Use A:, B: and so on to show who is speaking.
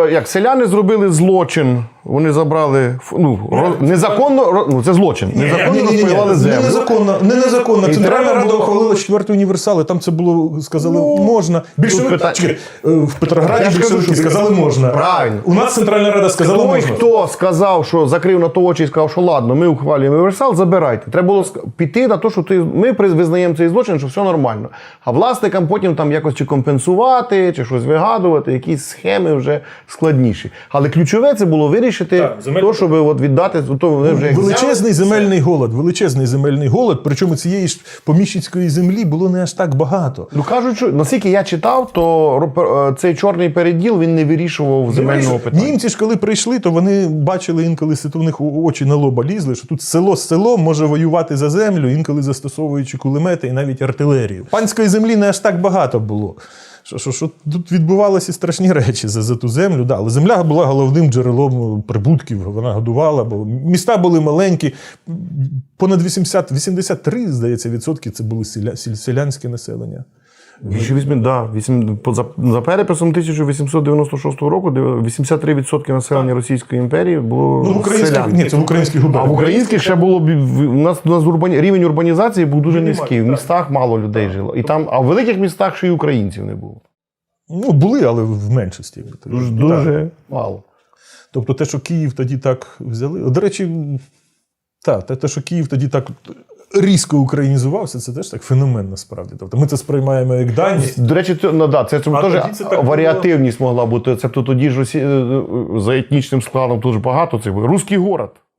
A: як селяни зробили злочин, вони забрали, незаконно, це злочин, незаконно розпаювали землю.
B: Не незаконно. Центральна Рада
A: було...
B: ухвалила 4-й універсал, і там це було, сказали, можна. В Петрограді більшовики сказали, можна.
A: Правильно.
B: У нас Центральна Рада сказала, можна.
A: Хто сказав, що закрив на то очі і сказав, що ладно, ми ухвалюємо універсал, забирайте. Треба було піти на те, що ми визнаємо цей злочин, що все нормально. А власникам потім там якось чи компенсувати, чи щось вигадувати, якісь схеми вже складніші. Але ключове це було вирішити то, щоб от віддати, то вони вже
B: величезний земельний голод, причому цієї ж поміщицької землі було не аж так багато.
A: Ну кажуть, що наскільки я читав, то цей чорний переділ, він не вирішував земельного питання.
B: Німці ж коли прийшли, то вони бачили інколи, у них очі на лоба лізли, що тут село з селом може воювати за землю, інколи застосовуючи кулемети і навіть артилерію. Панської землі не аж так багато було. Що тут відбувалися страшні речі за ту землю. Да, але земля була головним джерелом прибутків, вона годувала, бо міста були маленькі, понад 83, здається, відсотки це було селянське населення.
A: За переписом 1896 року 83% населення Російської імперії було селян.
B: Ні, це в українських губерніях.
A: А в українських ще було, у нас рівень урбанізації був дуже низький. В містах мало людей жило. А в великих містах ще й українців не було.
B: Ну, були, але в меншості.
A: Дуже мало.
B: Тобто те, що Київ тоді так взяли... До речі, те, що Київ тоді так різко українізувався, це теж так феномен насправді. Тобто ми це сприймаємо як дані.
A: До речі, це теж варіативність могла бути. Це тоді ж за етнічним складом дуже багато. Це був русський город.